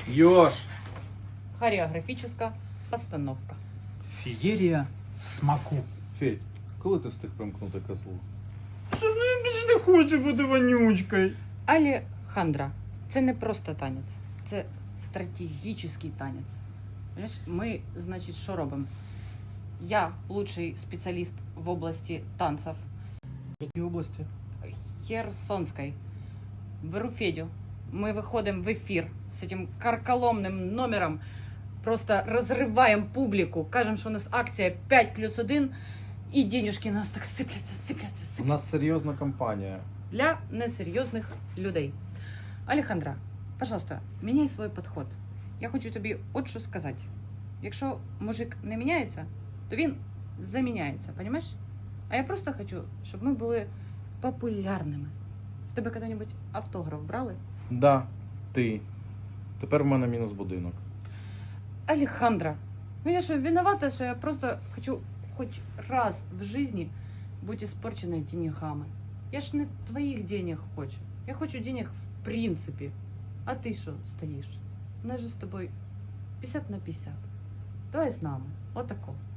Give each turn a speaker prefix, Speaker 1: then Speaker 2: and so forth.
Speaker 1: Ёж!
Speaker 2: Хореографическая постановка.
Speaker 3: Феєрія смаку.
Speaker 1: Федь, коли ти встиг примкнути козлу?
Speaker 3: Що ну я більше не хочу бути вонючкою.
Speaker 2: Алехандра. Це не просто танець, це стратегічний танець. Понимаєш, ми, значить, що робимо? Я лучший спеціаліст в області танців
Speaker 1: В якій області?
Speaker 2: Херсонской. Беру Федю. Мы выходим в эфир с этим карколомным номером. Просто разрываем публику. Кажем, что у нас акция 5+1. И денежки у нас так сыплятся.
Speaker 1: У нас серйозна кампанія.
Speaker 2: Для несерйозних людей. Алехандра, пожалуйста, міняй свій підход. Я хочу тобі от що сказати. Якщо мужик не міняється, то він заміняється, розумієш? А я просто хочу, щоб ми були популярними. В тебе коли-небудь автограф брали?
Speaker 1: Да, ти. Тепер в мене мінус будинок.
Speaker 2: Алехандра, ну я що, виновата, що я просто хочу хоч раз в житті бути испорченной деньгами. Я ж не твоїх денег хочу. Я хочу денег в принципі. А ти що стоїш? У нас же з тобою 50/50. Давай з нами. Отако.